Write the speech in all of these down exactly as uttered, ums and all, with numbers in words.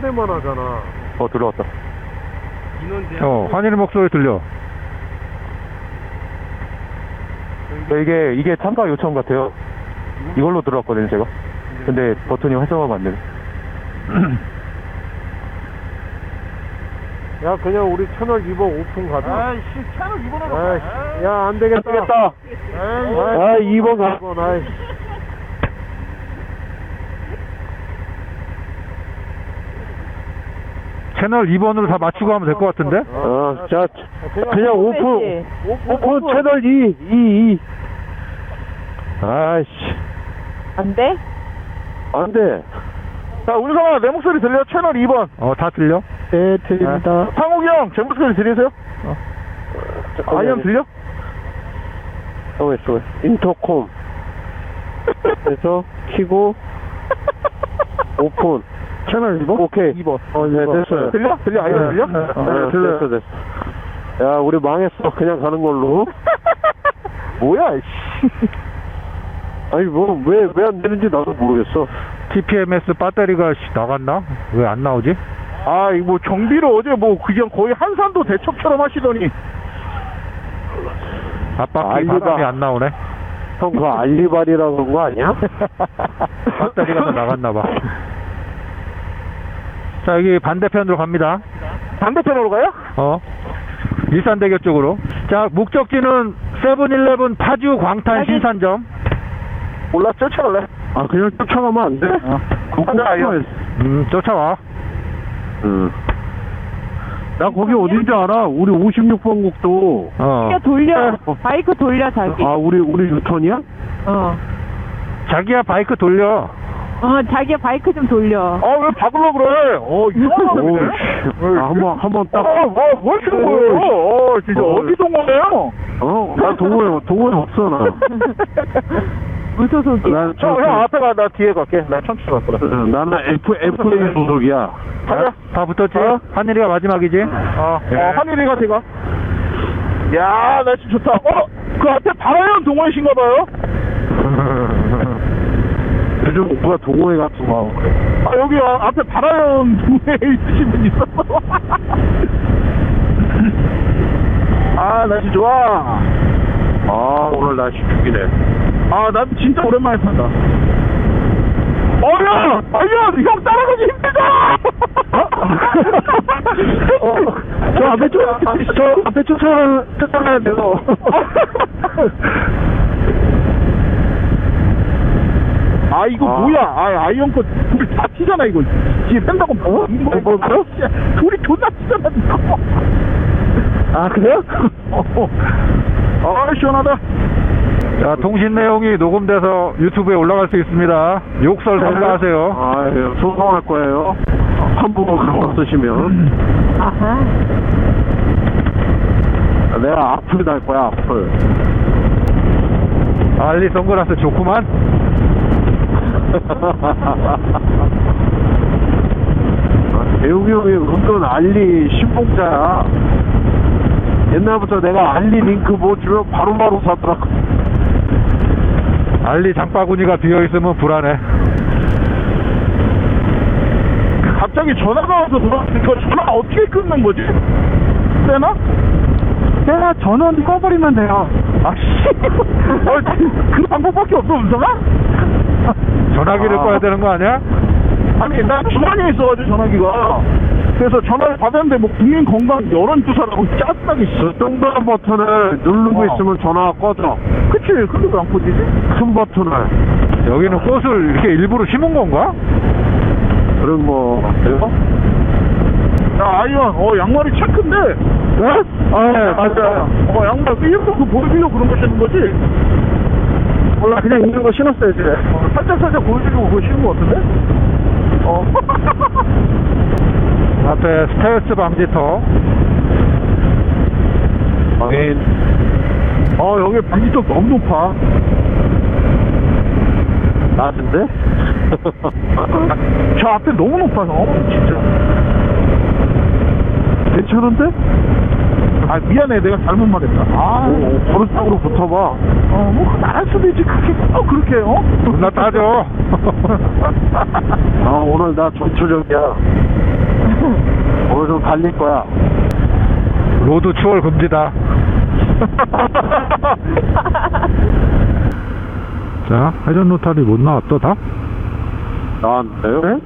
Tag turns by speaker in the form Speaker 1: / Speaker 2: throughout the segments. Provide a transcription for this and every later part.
Speaker 1: 데만 하잖아.
Speaker 2: 어, 들어왔다.
Speaker 1: 인원 제한.
Speaker 3: 어, 환희의 목소리 들려.
Speaker 2: 네, 이게, 이게 참가 요청 같아요. 이걸로 들어왔거든요, 제가. 근데 버튼이 활성화가 안 되네.
Speaker 1: 야, 그냥 우리 채널 이 번 오픈 가자.
Speaker 4: 아이씨, 채널 이 번으로
Speaker 1: 아이씨,
Speaker 4: 가.
Speaker 1: 야, 안 되겠다.
Speaker 2: 되겠다. 아, 이 번 가.
Speaker 1: 이번, 아이씨.
Speaker 3: 채널 이 번으로 다 맞추고 하면 될 것 같은데?
Speaker 2: 어, 자,
Speaker 1: 그냥
Speaker 2: 그냥 오픈, 오픈 채널 이, 이, 이. 아이씨,
Speaker 5: 안 돼?
Speaker 2: 안 돼. 자, 운성아, 내 목소리 들려? 채널 이 번.
Speaker 3: 어, 다 들려?
Speaker 2: 네, 들립니다. 상욱이 형, 제 목소리 들리세요? 어. 아이언 들려? 어, 있어. 인터콤. 그래서, 키고, 오픈. 채널 이 번? 오케이. 이 번. 어, 네, 됐어요. 들려? 들려? 아이언
Speaker 3: 네.
Speaker 2: 들려?
Speaker 3: 네,
Speaker 2: 네, 들려. 됐어, 됐어. 야, 우리 망했어. 그냥 가는 걸로. 뭐야, 씨. 아니, 뭐, 왜, 왜 안 되는지 나도 모르겠어.
Speaker 3: 티피엠에스 배터리가 씨, 나갔나? 왜 안 나오지?
Speaker 2: 아, 이거 뭐, 정비를 어제 뭐, 그냥 거의 한산도 대첩처럼 하시더니.
Speaker 3: 앞바퀴
Speaker 2: 알리바.
Speaker 3: 바람이 안 나오네.
Speaker 2: 형, 그거 알리바리라고 그런 거 아니야?
Speaker 3: 배터리가 다 나갔나봐. 자, 여기 반대편으로 갑니다.
Speaker 2: 반대편으로 가요?
Speaker 3: 어. 일산대교 쪽으로. 자, 목적지는 세븐일레븐 파주 광탄 신산점.
Speaker 2: 몰라, 쫓아갈래? 아, 그냥 쫓아가면 안 돼? 어. 가자, 아이언.
Speaker 3: 음, 쫓아와.
Speaker 2: 응. 나 거기 어딘지 알아. 우리 오십육 번 국도.
Speaker 3: 어.
Speaker 5: 자기가 돌려. 바이크 돌려, 자기.
Speaker 2: 아, 우리, 우리 유턴이야?
Speaker 5: 어.
Speaker 3: 자기야, 바이크 돌려.
Speaker 5: 어, 자기가 바이크 좀 돌려.
Speaker 2: 아, 왜 박으려 그래? 어, 이상하네. 아, 한 번, 한 번 딱. 아, 뭐, 뭐 하시는 거예요? 어, 진짜
Speaker 1: 어.
Speaker 2: 어디 동호회요? 어, 나 동호회, 동호회 없어, 나.
Speaker 5: 무소속이.
Speaker 2: 난 저, 형, 형 앞에 가, 나 뒤에 갈게. 나 천천히 갈 거라. 나는 F, 에프에이 소속이야.
Speaker 3: 자, 다 붙었지?
Speaker 2: 어?
Speaker 3: 하늘이가 마지막이지?
Speaker 2: 어, 어, 한일이가 제가. 야, 날씨 좋다. 어, 그 앞에 바라연 동호회신가 봐요? 요즘 오빠가 동호회 같은 거. 아, 여기 아, 앞에 바라연 동호회에 있으신 분 있었어. 아, 날씨 좋아. 아, 오늘 날씨 죽이네. 아, 난 진짜 오랜만에 탄다. 어, 야! 아니야! 형 따라가기 힘들다! 어, 저 앞에 쫓, 저 앞에 쫓아, 쫓아가야 돼서. 아, 이거 아. 뭐야? 아, 아이언 거 둘이 다 튀잖아, 이거. 뒤에 뺀다고 뭐? 뭐, 뭐, 뭐? 둘이 존나 튀잖아, 이거. 아, 그래요? 어, 아, 시원하다.
Speaker 3: 자, 통신 내용이 녹음돼서 유튜브에 올라갈 수 있습니다. 욕설 삼가하세요.
Speaker 2: 아, 예, 소송할 거예요. 한국어 그런 거 쓰시면.
Speaker 5: 아하.
Speaker 2: 내가 악플 달 거야, 악플.
Speaker 3: 알리 선글라스 좋구만.
Speaker 2: 아, 대웅이 형이 은근 알리 신봉자야. 옛날부터 내가 알리 링크 뭐 주면 바로바로 사더라.
Speaker 3: 알리 장바구니가 비어있으면 불안해.
Speaker 2: 갑자기 전화가 와서 들어왔으니까 전화 어떻게 끊는 거지? 되나?
Speaker 4: 내가 전원 꺼버리면 돼요.
Speaker 2: 아, 씨. 어, 그 방법밖에 없어, 은성아?
Speaker 3: 전화기를
Speaker 2: 아.
Speaker 3: 꺼야 되는 거 아니야?
Speaker 2: 아니, 나 주머니에 있어가지고 전화기가. 그래서 전화를 받았는데 뭐 국민건강 여론조사라고 짜증나게. 저 동그란 버튼을 누르고
Speaker 4: 어.
Speaker 2: 있으면 전화가 꺼져. 그치, 근데 왜 안 꺼지지? 큰 버튼을.
Speaker 3: 여기는 꽃을 이렇게 일부러 심은 건가?
Speaker 2: 그런 거 같아요? 야, 아이언, 어, 양말이 체크인데? 네? 아, 네, 맞아요. 어, 양말, 일부러 그 보여주려고 그런 거 신는 거지? 몰라, 그냥 있는 거 신었어요, 이제. 어, 살짝살짝 보여주려고 그거 신은 거 같은데? 어.
Speaker 3: 앞에 스트레스 방지턱.
Speaker 2: 확인. 어, 여기 방지턱 너무 높아. 낮은데? 저 앞에 너무 높아서, 진짜. 괜찮은데? 아, 미안해. 내가 잘못 말했다. 아, 버릇적으로 붙어봐. 어, 뭐, 나갈 수도 있지. 그렇게, 어, 그렇게, 어?
Speaker 3: 존나 따져.
Speaker 2: 아, 오늘 나 전초적이야. 오늘 좀 달릴 거야.
Speaker 3: 로드 추월 금지다. 자, 회전 로탈이 못 나왔어, 다?
Speaker 2: 나왔는데요? 네?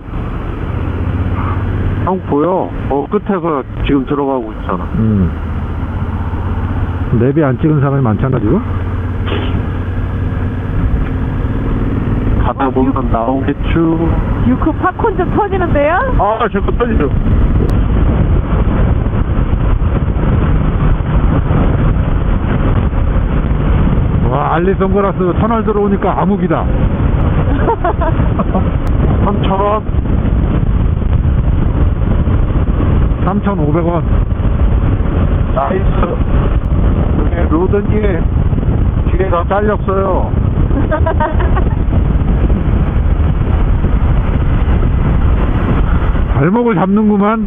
Speaker 2: 형 보여? 어 끝에서 지금 들어가고 있잖아.
Speaker 3: 음. 내비 안 찍은 사람이 많잖아, 지금?
Speaker 2: 가다 보면 나오겠죠.
Speaker 5: 유크 팝콘 좀 터지는데요?
Speaker 2: 아, 제거 터지죠.
Speaker 3: 와, 알리 선글라스 터널 들어오니까 암흑이다.
Speaker 2: 삼천 원.
Speaker 3: 삼천오백 원.
Speaker 2: 나이스. 여기 로드님 뒤에 다 잘렸어요.
Speaker 3: 발목을 잡는구만.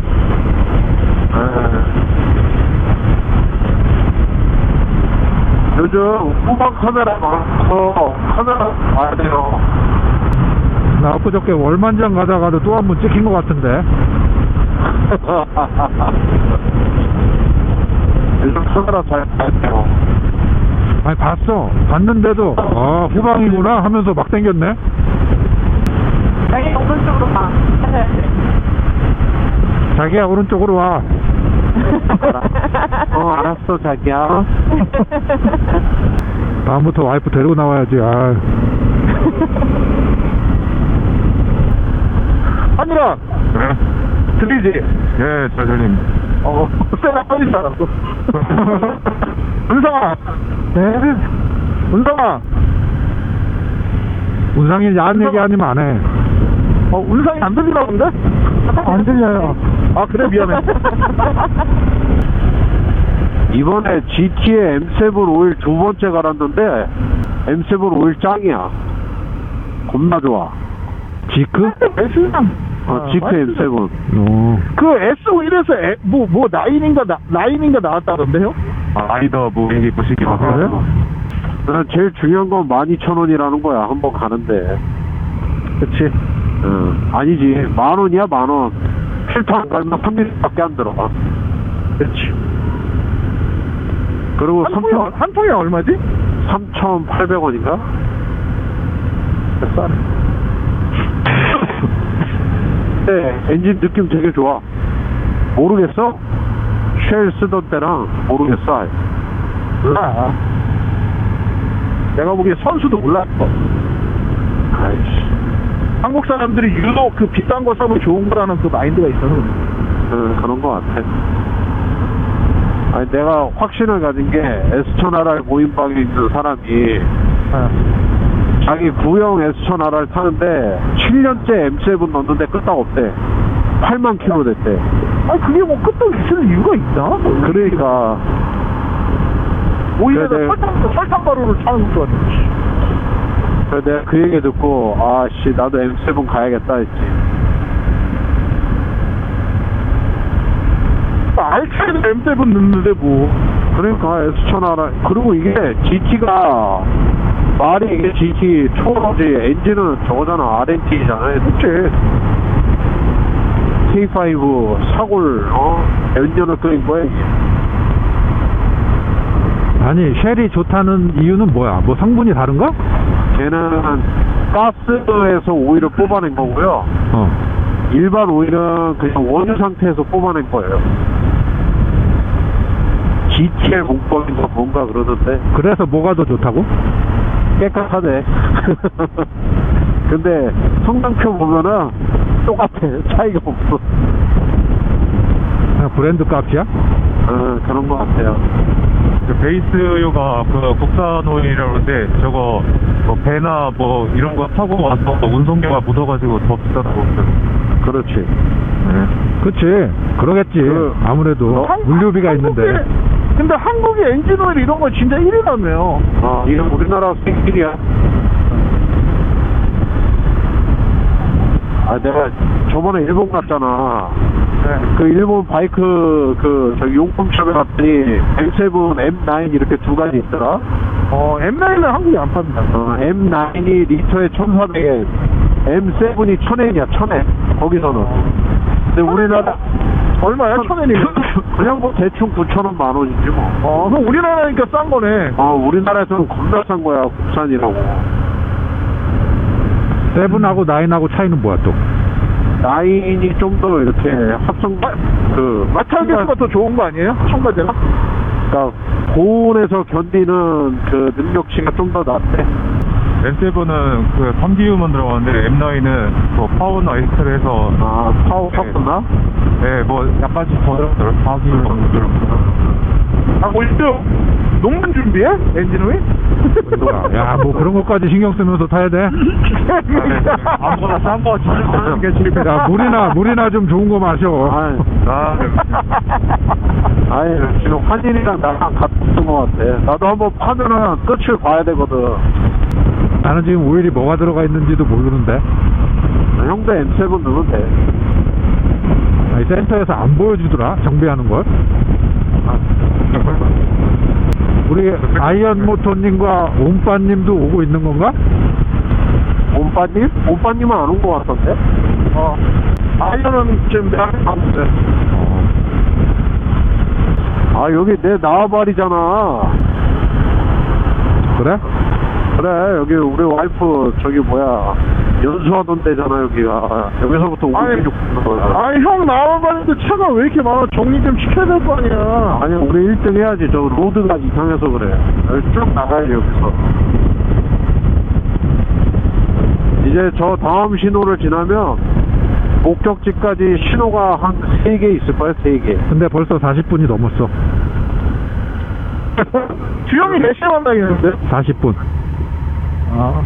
Speaker 2: 요즘 후방 카메라 많고 카메라 봐야 돼요.
Speaker 3: 나 엊그저께 월만장 가다가도 또 한 번 찍힌 것 같은데.
Speaker 2: 요즘 카메라 잘 봐야 돼요.
Speaker 3: 아니, 봤어. 봤는데도, 아, 후방이구나 하면서 막 당겼네.
Speaker 5: 자기 오른쪽으로 가.
Speaker 3: 자기야, 오른쪽으로 와.
Speaker 2: 어 알았어 자기야.
Speaker 3: 다음부터 와이프 데리고 나와야지. 아.
Speaker 2: 하늘아 들리지?
Speaker 3: 예, 사장님.
Speaker 2: 어 쎄나 빨리 살았어. 은상아.
Speaker 3: 네.
Speaker 2: 은상아.
Speaker 3: 운상이 야한 얘기 아니면 안 해.
Speaker 2: 어 은상이 안 들리나 본데?
Speaker 4: 안 들려요.
Speaker 2: 아 그래 미안해. 이번에 지티에 엠 세븐 오일 두 번째 갈았는데 엠 세븐 오일 짱이야. 겁나 좋아.
Speaker 3: 지크?
Speaker 2: 어, 지크 엠 세븐.
Speaker 3: 어.
Speaker 2: 그 에스 오일에서 뭐, 뭐, 나인인가, 나, 나인인가 나왔다던데요?
Speaker 3: 아, 라이더 뭐, 이게 보시기
Speaker 2: 아, 그래? 난 제일 중요한 건 만 이천 원이라는 거야, 한 번 가는데. 그치? 응. 아니지. 만 원이야, 만 원. 필터 안 갈면 삼 밀리미터밖에 안 들어. 그치. 그리고
Speaker 4: 한 통에, 한 통에 얼마지?
Speaker 2: 삼천팔백 원인가? 싸네. 네, 엔진 느낌 되게 좋아. 모르겠어? 쉘 쓰던 때랑 모르겠어. 아예.
Speaker 4: 몰라. 내가 보기에 선수도 몰랐어.
Speaker 2: 아이씨.
Speaker 4: 한국 사람들이 유독 그 비싼 거 사면 좋은 거라는 그 마인드가 있어서 그래.
Speaker 2: 응, 그런 거 같아. 아니, 내가 확신을 가진 게 에스 천 알 알 모임방에 있는 사람이
Speaker 4: 어.
Speaker 2: 자기 구형 에스 천 알 알 타는데 칠 년째 엠 세븐 넣었는데 끄떡 없대. 팔만 킬로 됐대.
Speaker 4: 아니 그게 뭐 끄떡 있을 이유가 있나?
Speaker 2: 그러니까
Speaker 4: 오히려
Speaker 2: 그래,
Speaker 4: 설탕, 설탕 가루를 차는 것도 아니지.
Speaker 2: 그래서 내가 그 얘기 듣고 아씨 나도 엠 세븐 가야겠다 했지.
Speaker 4: 알차에도 엠 세븐 넣는데 뭐.
Speaker 2: 그러니까 에스 천 알 알 그리고 이게 지티가 말이 이게 지티 초로지 엔진은 저거잖아. 알 엔 티잖아.
Speaker 4: 그치.
Speaker 2: 케이 파이브 사골 어? 몇 년을 끓인 거야 이게.
Speaker 3: 아니, 쉘이 좋다는 이유는 뭐야? 뭐 성분이 다른가?
Speaker 2: 걔는 가스에서 오일을 뽑아낸 거고요.
Speaker 3: 어.
Speaker 2: 일반 오일은 그냥 원유 상태에서 뽑아낸 거예요. 지티엘 공법인가 뭔가 그러는데
Speaker 3: 그래서 뭐가 더 좋다고?
Speaker 2: 깨끗하네. 근데 성능표 보면은 똑같아. 차이가 없어.
Speaker 3: 그냥 브랜드 값이야?
Speaker 2: 어, 그런 거 같아요.
Speaker 6: 베이스유가 그 국산 오일이라고 그러는데 저거 뭐 배나 뭐 이런 거 타고 와서 운송료가 묻어가지고 더 비싸다고
Speaker 2: 그렇지.
Speaker 3: 네. 그치. 그러겠지.
Speaker 2: 그,
Speaker 3: 아무래도
Speaker 2: 어?
Speaker 3: 물류비가
Speaker 4: 한국에-
Speaker 3: 있는데.
Speaker 4: 근데 한국의 엔진 오일 이런 거 진짜 일 위라며.
Speaker 2: 아, 이건 우리나라 생길이야. 아, 내가 저번에 일본 갔잖아. 그 일본 바이크 그 저기 용품샵에 갔더니 엠 세븐, 엠 나인 이렇게 두 가지 있더라.
Speaker 4: 어, 엠 나인은 한국에 안 팝니다.
Speaker 2: 어, 엠 나인이 리터에 천사백 엔, 엠 세븐이 천 엔이야, 천 엔. 거기서는. 근데 우리나라
Speaker 4: 얼마야? 천 원이면?
Speaker 2: 그냥 뭐 대충 구천 원, 만 원이지 뭐.
Speaker 4: 어, 그럼 우리나라니까 싼 거네.
Speaker 2: 어, 우리나라에서는 겁나 싼 거야, 국산이라고.
Speaker 3: 세븐하고 나인하고 차이는 뭐야 또?
Speaker 2: 나인이 좀 더 이렇게 합성, 그,
Speaker 4: 마찰계수가 더 좋은 거 아니에요? 첨가제가?
Speaker 2: 그러니까 고온에서 견디는 그 능력치가 좀 더 낫대.
Speaker 6: 엠 세븐은 그 삼 기유만 들어가는데 엠 나인은 뭐 파워나 엑스를 해서
Speaker 2: 아, 파워
Speaker 6: 네.
Speaker 2: 섞었나?
Speaker 6: 네, 뭐 약간씩 더 들었더라고요. 사 기유 정도 들었어요.
Speaker 4: 아, 뭐, 일등 농문 준비해? 엔진오일?
Speaker 3: 야, 뭐 그런 것까지 신경 쓰면서 타야 돼?
Speaker 6: 아무거나 싼 거 진짜 사는 게 제일
Speaker 3: 야, 물이나, 물이나 좀 좋은 거 마셔.
Speaker 2: 아이,
Speaker 6: 아,
Speaker 2: 아이, 지금 환인이랑 나랑 같은 거 같아. 나도 한번 파면은 끝을 봐야 되거든.
Speaker 3: 나는 지금 오일이 뭐가 들어가 있는지도 모르는데.
Speaker 2: 형도 엠 세븐 넣으면 돼.
Speaker 3: 아니, 센터에서 안 보여주더라, 정비하는 걸. 우리 아이언 모토님과 옴빠님도 오고 있는 건가?
Speaker 2: 옴빠님? 옴빠님은 안 온 거 같던데?
Speaker 4: 어. 아이언은 지금 내가 봤는데.
Speaker 2: 아, 여기 내 나와발이잖아.
Speaker 3: 그래?
Speaker 2: 그래, 여기 우리 와이프, 저기 뭐야, 연수하던 데잖아, 여기가. 여기서부터
Speaker 4: 아니,
Speaker 2: 오십육 분 거야.
Speaker 4: 아니, 형 나와봤는데 차가 왜 이렇게 많아? 정리 좀 시켜야 될 거 아니야.
Speaker 2: 아니, 우리 일 등 해야지. 저 로드가 이상해서 그래. 여기 쭉 나가야지, 여기서. 이제 저 다음 신호를 지나면, 목적지까지 신호가 한 세 개 있을 거야, 세 개.
Speaker 3: 근데 벌써 사십 분이 넘었어.
Speaker 4: 주영이 몇 시에 만나겠는데?
Speaker 3: 사십 분.
Speaker 4: 아.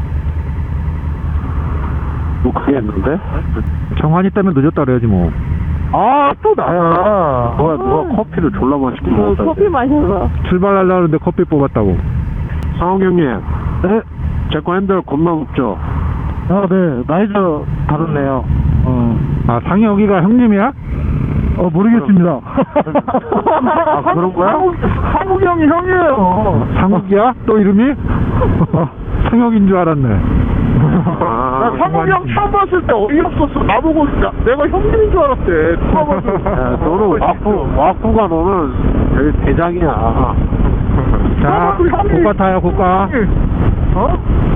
Speaker 2: 뭐, 그게 했는데?
Speaker 3: 정환이 때문에 늦었다 그래야지 뭐.
Speaker 4: 아, 또 나야.
Speaker 2: 누가, 누가 커피를 졸라 맛있게 먹었다.
Speaker 5: 커피 마셔서.
Speaker 3: 출발하려고 하는데 커피 뽑았다고.
Speaker 2: 상욱 형님. 네? 제 거 핸들 겁나 높죠?
Speaker 4: 아, 네. 나이도 다르네요. 어.
Speaker 3: 아, 상혁이가 형님이야?
Speaker 4: 어, 모르겠습니다.
Speaker 2: 아, 그런 거야?
Speaker 4: 한국, 한국 형이 형이에요.
Speaker 3: 상욱이야? 또 이름이? 어, 상혁인 줄 알았네.
Speaker 2: 아,
Speaker 4: 나 상국 형 처음 봤을 때 어이없었어. 나보고 나, 내가 형님인 줄 알았대. 누가 봐도.
Speaker 2: 야, 너는 와꾸, 와꾸가 너는 여기 대장이야.
Speaker 3: 자, 고가 타요, 고가.
Speaker 4: 어?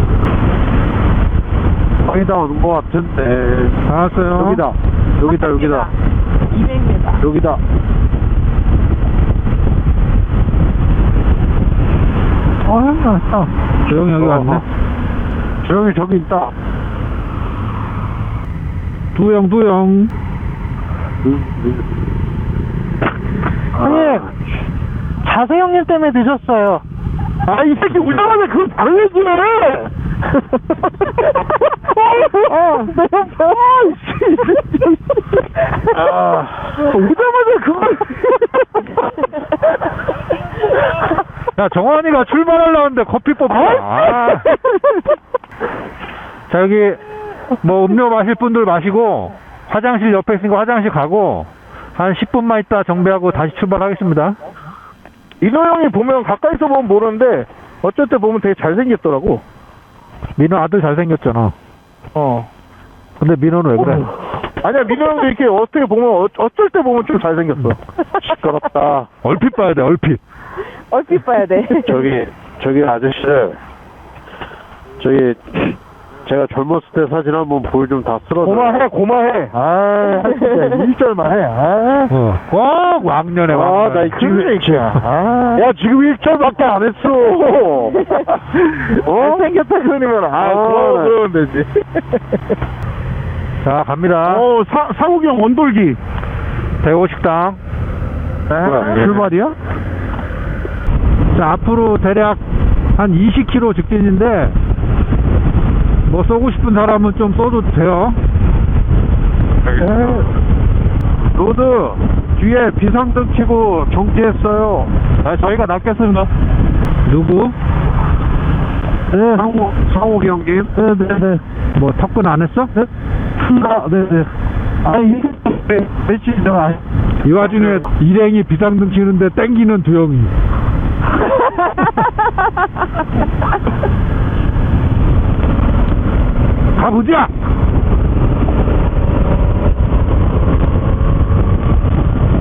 Speaker 2: 거의 다 오는 거 같은데.
Speaker 3: 다 왔어요.
Speaker 2: 여기다. 여기다, 여기다.
Speaker 5: 이백 미터.
Speaker 2: 여기다.
Speaker 3: 어, 형 왔어. 조용히 여기 왔네.
Speaker 2: 조용히 저기 있다.
Speaker 3: 두영, 두영.
Speaker 2: 형님,
Speaker 4: 자세 형님 때문에 늦었어요. 아, 이 새끼 울자마자 그걸 다른 얘기를 해! 아, 아, 오자마자 그걸.
Speaker 3: 야, 정환이가 출발하려고 하는데 커피 뽑아. 아. 자, 여기 뭐 음료 마실 분들 마시고 화장실 옆에 있으니까 화장실 가고 한 십 분만 있다 정비하고 다시 출발하겠습니다.
Speaker 4: 이노 형이 보면 가까이서 보면 모르는데 어쩔 때 보면 되게 잘생겼더라고.
Speaker 3: 민호 아들 잘생겼잖아.
Speaker 4: 어.
Speaker 3: 근데 민호는 왜 그래?
Speaker 4: 아니야, 민호 형도 이렇게 어떻게 보면 어, 어쩔 때 보면 좀 잘생겼어.
Speaker 2: 시끄럽다.
Speaker 3: 얼핏 봐야 돼, 얼핏.
Speaker 5: 얼핏 봐야 돼.
Speaker 2: 저기, 저기 아저씨들. 저기, 제가 젊었을 때 사진 한번 보여 좀 다 쓸어줘.
Speaker 4: 고마해, 고마해. 아, 진짜 일절만 해. 아,
Speaker 3: 어. 와, 왕년에
Speaker 2: 아,
Speaker 3: 왕년.
Speaker 2: 나 지금,
Speaker 4: 아.
Speaker 2: 야, 지금 일 절밖에 안 했어. 어?
Speaker 4: 잘생겼다 그러면 아,
Speaker 2: 아,
Speaker 4: 고마워
Speaker 2: 네.
Speaker 4: 그러면 되지.
Speaker 3: 자, 갑니다.
Speaker 4: 어, 사, 사국이 형 원돌기.
Speaker 3: 대호식당.
Speaker 2: 뭐야,
Speaker 4: 출발이야?
Speaker 3: 자, 앞으로 대략 한 이십 킬로미터 직진인데 뭐 쏘고 싶은 사람은 좀 쏘도 돼요.
Speaker 2: 로드, 뒤에 비상등 켜고 정지했어요.
Speaker 6: 아, 저희가 낫겠습니다.
Speaker 3: 누구?
Speaker 2: 네. 상호, 상호 형님.
Speaker 4: 네네네.
Speaker 3: 뭐 턱근 안 했어?
Speaker 4: 네? 아, 네네. 아, 이게 며칠 전 아,
Speaker 3: 이 와중에 일행이 비상등 치는데 땡기는 두영이. 가보자!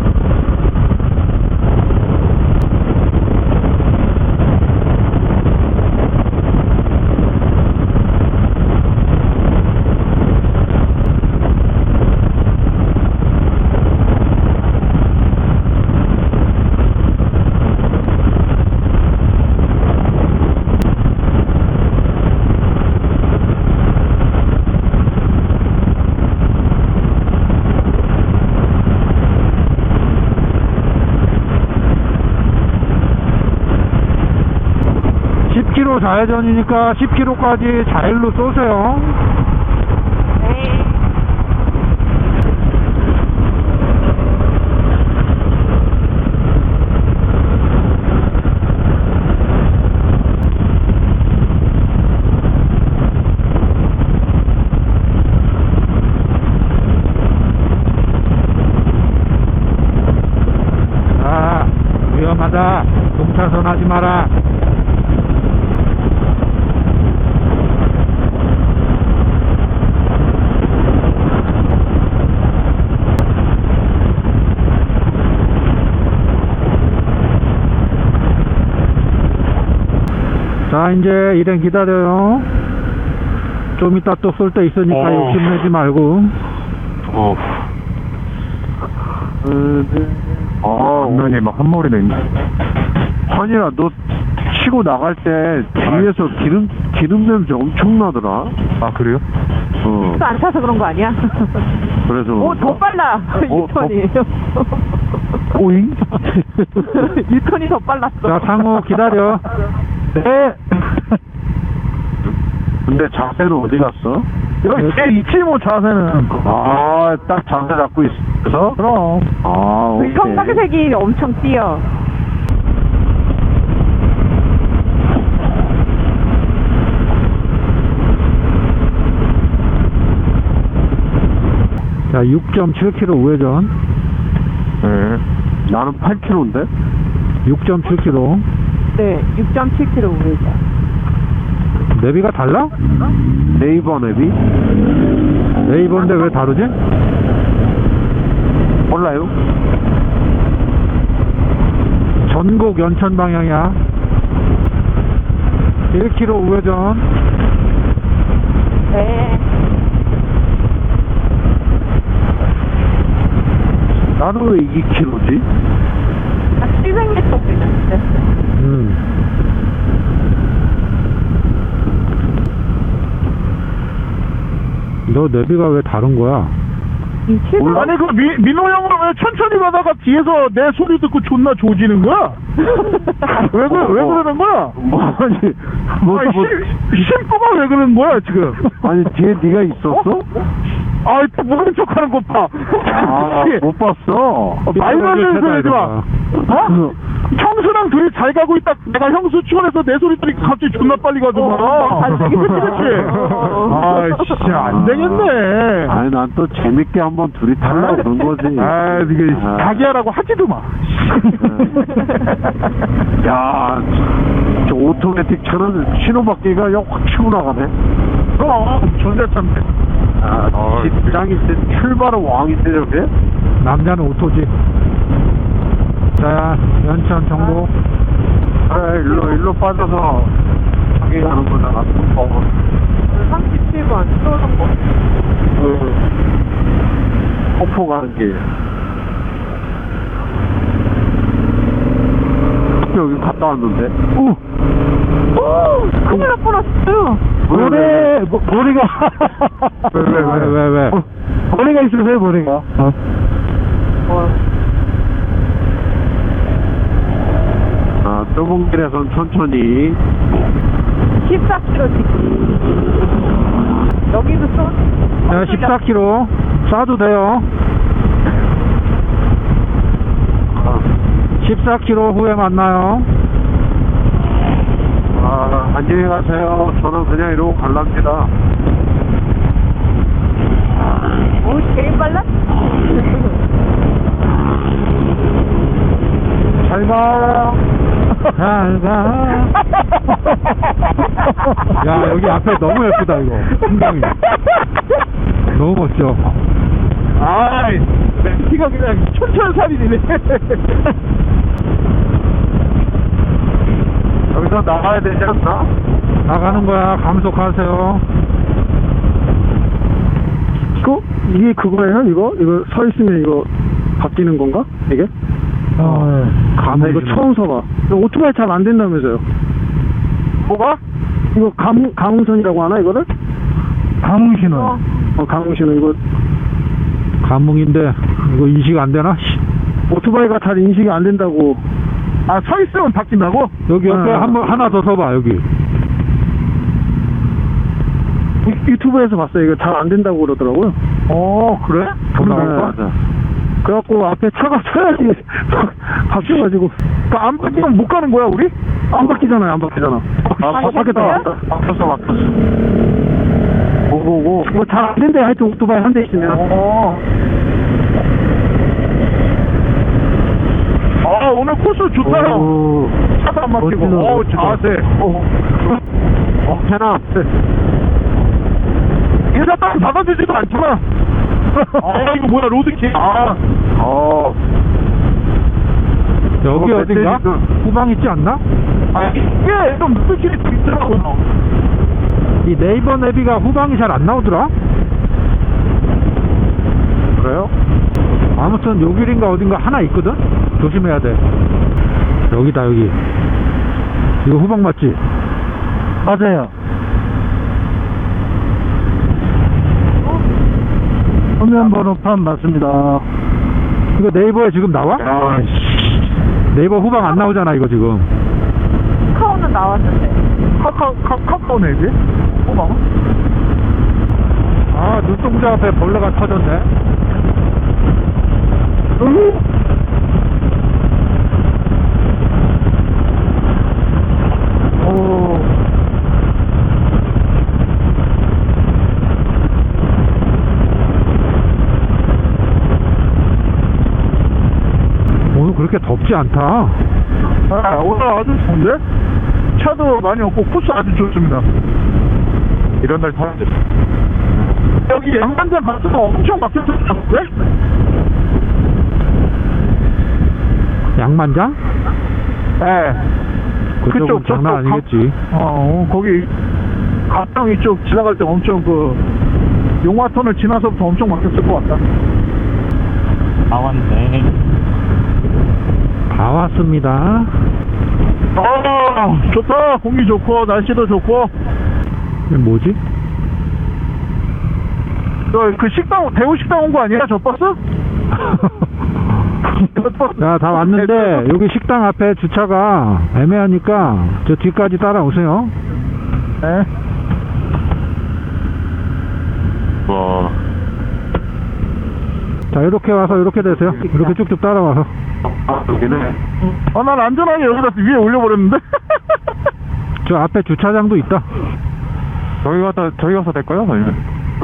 Speaker 3: 킬로미터 좌회전이니까 십 킬로미터까지 자일로 쏘세요.
Speaker 5: 네.
Speaker 3: 아, 위험하다. 동차선 하지 마라. 자, 이제 일행 기다려요. 좀 이따 또 쏠 때 있으니까
Speaker 6: 어.
Speaker 3: 욕심내지 말고.
Speaker 6: 어,
Speaker 2: 아,
Speaker 6: 엉덩이에 막 한 마리나 있네.
Speaker 2: 환이야, 너 치고 나갈 때 뒤에서 기름, 기름 냄새 엄청 나더라.
Speaker 6: 아, 그래요?
Speaker 2: 어,
Speaker 5: 또 안 타서 그런 거 아니야?
Speaker 2: 그래서.
Speaker 5: 오, 더 빨라.
Speaker 2: 어,
Speaker 5: 유턴이.
Speaker 2: 오잉?
Speaker 5: 유턴이 더 빨랐어.
Speaker 3: 자, 상호 기다려.
Speaker 2: 네. 근데 자세는 어디 갔어?
Speaker 4: 여기 제 있지 뭐 자세는.
Speaker 2: 아, 딱 자세 잡고 있어?
Speaker 4: 그럼.
Speaker 2: 아,
Speaker 5: 그
Speaker 2: 오케이.
Speaker 5: 형광색이 엄청 띄어.
Speaker 3: 자, 육 점 칠 킬로미터 우회전.
Speaker 2: 네. 나는 팔 킬로미터인데?
Speaker 3: 육 점 칠 킬로미터.
Speaker 5: 네, 육 점 칠 킬로미터 우회전.
Speaker 3: 내비가 달라?
Speaker 2: 네이버 내비?
Speaker 3: 네이버인데 왜 다르지?
Speaker 2: 몰라요?
Speaker 3: 전곡 연천 방향이야. 일 킬로미터 우회전.
Speaker 5: 네.
Speaker 2: 나는 왜 이 킬로미터지?
Speaker 5: 한 칠백 미터 정도 있는데.
Speaker 3: 음. 너 내비가 왜 다른 거야?
Speaker 5: 이 칠백
Speaker 4: 아니 그 미, 민호 형은 왜 천천히 가다가 뒤에서 내 소리 듣고 존나 조지는 거야? 왜, 그, 왜 그러는 거야?
Speaker 2: 뭐, 아니, 뭐,
Speaker 4: 아니,
Speaker 2: 뭐,
Speaker 4: 심- 심부가 왜 그러는 거야 지금?
Speaker 2: 아니, 뒤에 네가 있었어?
Speaker 4: 아이 또 모른 척하는 것 봐.
Speaker 2: 아, 못 봤어.
Speaker 4: 말 많은 소리 하지 마. 어?
Speaker 2: 그,
Speaker 4: 형수랑 둘이 잘 가고 있다. 내가 형수 추월해서 내 소리 들으니까 갑자기 존나 빨리 가더만.
Speaker 5: 어,
Speaker 4: 그렇지, 그렇지. 아, 진짜 안 되겠네.
Speaker 2: 아니, 난 또 재밌게 한번 둘이 타려고 그런 거지.
Speaker 4: 아, 이게
Speaker 2: 아.
Speaker 4: 자기 하라고 하지도 마.
Speaker 2: 야, 저 오토매틱 차는 신호바퀴가 그냥 확 치고 나가네.
Speaker 4: 그럼 전자차인데.
Speaker 2: 아,
Speaker 6: 아,
Speaker 2: 직장인데 출발은 왕인데 저게?
Speaker 3: 남자는 오토지. 자, 연천 정보.
Speaker 2: 그래, 일로, 일로 빠져서 자기 가는 거잖아. 어,
Speaker 5: 삼십칠 번 쏘는 거.
Speaker 2: 그, 폭포 가는 길. 여기 갔다 왔는데.
Speaker 3: 오!
Speaker 5: 오! 큰일 날 뻔했어요.
Speaker 2: 왜, 왜, 왜?
Speaker 3: 뭐, 머리가. 왜, 왜, 왜, 왜, 왜?
Speaker 2: 어, 머리가 있으세요, 머리가? 어. 아, 좁은 길에선 천천히.
Speaker 5: 십사 킬로미터 찍기. 여기도 쏘.
Speaker 3: 자, 십사 킬로미터. 쏴도 돼요.
Speaker 2: 아,
Speaker 3: 십사 킬로미터 후에 만나요.
Speaker 2: 아, 안녕히 가세요. 저는 그냥 이러고 갈랍니다.
Speaker 5: 오, 제일 빨라?
Speaker 3: 잘 가. 잘 가. 야, 여기 앞에 너무 예쁘다, 이거. 풍경이. 너무 멋져.
Speaker 4: 아이, 멘티가 그냥 천천살이네.
Speaker 2: 여기서 나가야 되지 않나?
Speaker 3: 나가는 거야. 감속하세요.
Speaker 4: 그, 이게 그거예요, 이거? 이거 서 있으면 이거 바뀌는 건가? 이게?
Speaker 3: 어,
Speaker 4: 나 이거 처음 서봐. 이거 오토바이 잘 안 된다면서요?
Speaker 2: 뭐가?
Speaker 4: 이거 감, 감흥선이라고 하나, 이거를?
Speaker 3: 감흥신호.
Speaker 5: 어.
Speaker 4: 어, 감흥신호, 이거.
Speaker 3: 감흥인데, 이거 인식 안 되나? 씨.
Speaker 4: 오토바이가 잘 인식이 안 된다고. 아, 서 있으면 바뀐다고?
Speaker 3: 여기 옆에
Speaker 4: 아.
Speaker 3: 한 번, 하나 더 서봐, 여기.
Speaker 4: 유- 유튜브에서 봤어요. 이거 잘 안 된다고 그러더라고요. 어, 그래?
Speaker 3: 그런가?
Speaker 4: 네. 그래갖고 앞에 차가 서야지 바뀌어가지고. 그러니까 안 바뀌면 못 가는 거야, 우리? 안 바뀌잖아요, 안 바뀌잖아. 아, 바, 바뀌었다.
Speaker 2: 바뀌었어, 바뀌었어.
Speaker 4: 오오오. 뭐 잘 안 된대, 하여튼 오토바이 한 대 있으면. 어. 아, 오늘 코스 좋다.
Speaker 3: 오,
Speaker 4: 차도 안 막히고.
Speaker 3: 멋지다,
Speaker 4: 어우,
Speaker 3: 멋지다.
Speaker 4: 자세. 어, 어, 해나. 인사 딱 받아주지도 않지만. 아, 이거 뭐야, 로드킥. 아, 어.
Speaker 3: 여기
Speaker 4: 어,
Speaker 3: 어딘가?
Speaker 4: 멧돼지가-
Speaker 3: 후방 있지 않나?
Speaker 4: 아, 이게 좀 느낌이 좀 있더라고요.
Speaker 3: 이 네이버 내비가 후방이 잘 안 나오더라?
Speaker 4: 그래요?
Speaker 3: 아무튼 요 길인가 어딘가 하나 있거든? 조심해야 돼. 여기다, 여기. 이거 후방 맞지?
Speaker 4: 맞아요. 화면 번호판 맞습니다.
Speaker 3: 이거 네이버에 지금 나와?
Speaker 4: 아,
Speaker 3: 네이버 후방 안 나오잖아, 이거 지금.
Speaker 5: 카카오는 나왔는데.
Speaker 4: 카카오, 카, 카카오네, 이제? 어, 봐.
Speaker 3: 아, 눈동자 앞에 벌레가 터졌네.
Speaker 4: 으? 오.
Speaker 3: 오늘 그렇게 덥지 않다.
Speaker 4: 아, 오늘 아주 좋은데? 차도 많이 없고 코스 아주 좋습니다.
Speaker 2: 이런 날 타야 돼.
Speaker 4: 여기 양반장 갔으면 엄청 막혔었는데?
Speaker 3: 양만장?
Speaker 4: 네.
Speaker 3: 그쪽은 장난
Speaker 4: 저쪽
Speaker 3: 아니겠지.
Speaker 4: 가- 어, 거기 가평 이쪽 지나갈 때 엄청 그 용화턴을 지나서부터 엄청 막혔을 것 같다.
Speaker 6: 나왔네.
Speaker 3: 다 왔습니다.
Speaker 4: 아, 좋다. 공기 좋고 날씨도 좋고.
Speaker 3: 이게 뭐지?
Speaker 4: 저 그 식당 대우 식당 온 거 아니야? 저 버스? 저 버스.
Speaker 3: 자, 다 왔는데 여기 식당 앞에 주차가 애매하니까 저 뒤까지 따라오세요.
Speaker 4: 네.
Speaker 2: 와.
Speaker 3: 자, 이렇게 와서 이렇게 되세요. 이렇게 쭉쭉 따라와서.
Speaker 2: 아, 여기네.
Speaker 4: 어, 난 안전하게 여기다 위에 올려버렸는데.
Speaker 3: 저 앞에 주차장도 있다.
Speaker 6: 저기 가서, 저기 가서 될까요? 아니면?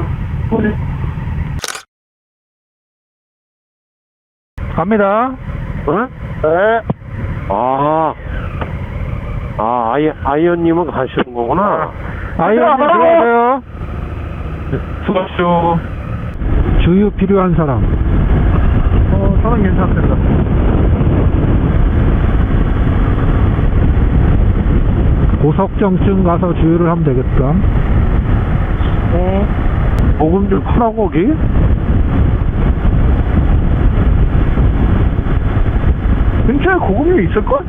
Speaker 3: 갑니다.
Speaker 2: 어?
Speaker 4: 네.
Speaker 1: 아, 아, 아이, 아이언님은 가시는 거구나.
Speaker 3: 아이언님 들어오세요.
Speaker 6: 수고하십시오.
Speaker 3: 주유 필요한 사람.
Speaker 4: 어, 저는 괜찮습니다.
Speaker 3: 고석정쯤 가서 주유를 하면 되겠다.
Speaker 5: 네.
Speaker 4: 보금 좀 하라고, 거기? 근처에 고급류 있을걸?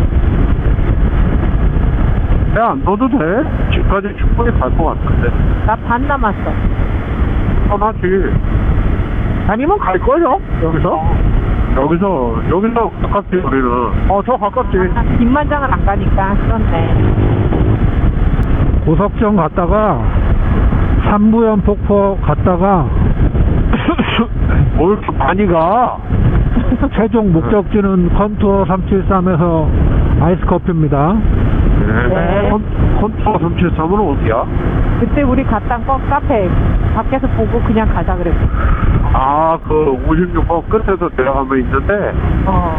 Speaker 2: 야, 너도 돼. 집까지 충분히 갈 것 같은데.
Speaker 5: 나 반 남았어.
Speaker 2: 편하지.
Speaker 4: 아니면 갈걸요? 여기서?
Speaker 2: 여기서, 여기서 가깝지, 우리는.
Speaker 4: 어, 저 가깝지.
Speaker 5: 아, 김만장을 안 가니까 그렇네.
Speaker 3: 고석정 갔다가 삼부연 폭포 갔다가
Speaker 2: 뭘 이렇게 많이 가?
Speaker 3: 최종 목적지는 컨투어 삼칠삼에서 아이스 커피입니다.
Speaker 2: 네. 컨, 컨투어 삼칠삼은 어디야?
Speaker 5: 그때 우리 갔던 거 카페 밖에서 보고 그냥 가자 그랬어.
Speaker 2: 아, 그 오십육 번 끝에서 내려가면 있는데,
Speaker 5: 어.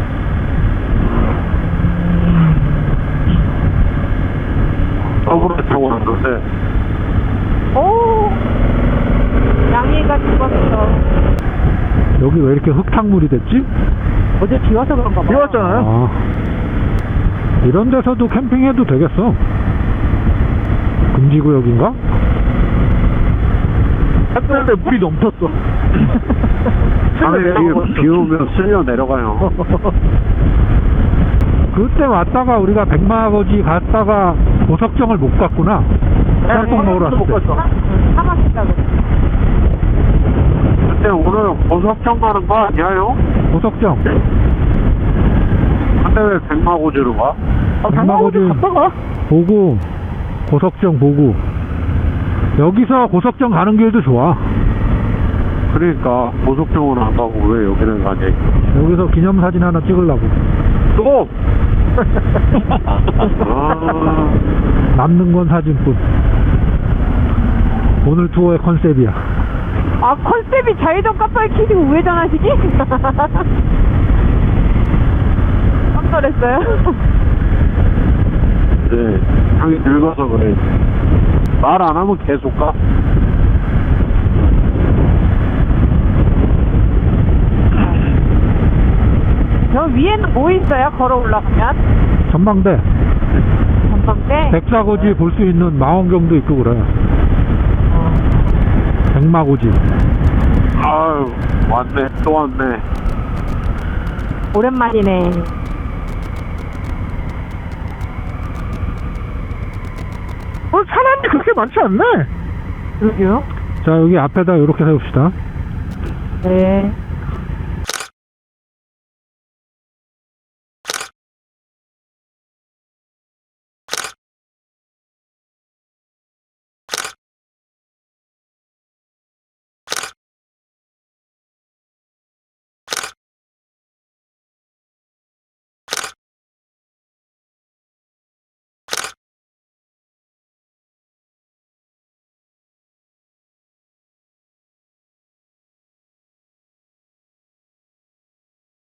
Speaker 2: 서울에 타고 왔는데,
Speaker 5: 오. 양이가 죽었어.
Speaker 3: 여기 왜 이렇게 흙탕물이 됐지?
Speaker 5: 어제 비 와서 그런가 봐.
Speaker 4: 비 왔잖아요.
Speaker 3: 아, 이런 데서도 캠핑해도 되겠어. 금지구역인가?
Speaker 4: 했는데 물이 넘쳤어.
Speaker 2: 안에 비, 비 오면 쓸려 내려가요.
Speaker 3: 그때 왔다가 우리가 백마아버지 갔다가 고석정을 못 갔구나. 짬뽕 먹으러 왔을
Speaker 4: 못
Speaker 3: 때.
Speaker 4: 갔어.
Speaker 5: 사막이다 그래.
Speaker 2: 근데 오늘 고석정 가는 거 아니야요?
Speaker 3: 고석정.
Speaker 2: 근데 왜 백마고지로 가?
Speaker 4: 아, 백마고지 갔다가?
Speaker 3: 보고 고석정 보고 여기서 고석정 가는 길도 좋아.
Speaker 1: 그러니까 고속정은 안 가고 왜 여기는 가냐.
Speaker 3: 여기서 기념사진 하나 찍으려고.
Speaker 1: 또! 아,
Speaker 3: 남는 건 사진뿐. 오늘 투어의 컨셉이야.
Speaker 5: 아, 컨셉이 좌회전 깜빡이 켜지고 우회전하시기? 깜짝 놀랐어요.
Speaker 1: 네, 형이 늙어서 그래. 말 안 하면 계속 가.
Speaker 5: 저 위에는 뭐 있어요? 걸어 올라가면?
Speaker 3: 전망대.
Speaker 5: 전망대?
Speaker 3: 백사고지 볼 수 있는 망원경도 있고 그래. 백마고지.
Speaker 1: 아유, 왔네, 또 왔네.
Speaker 5: 오랜만이네.
Speaker 4: 어, 사람이 그렇게 많지 않네.
Speaker 5: 여기요?
Speaker 3: 자, 여기 앞에다 이렇게 세웁시다.
Speaker 5: 네.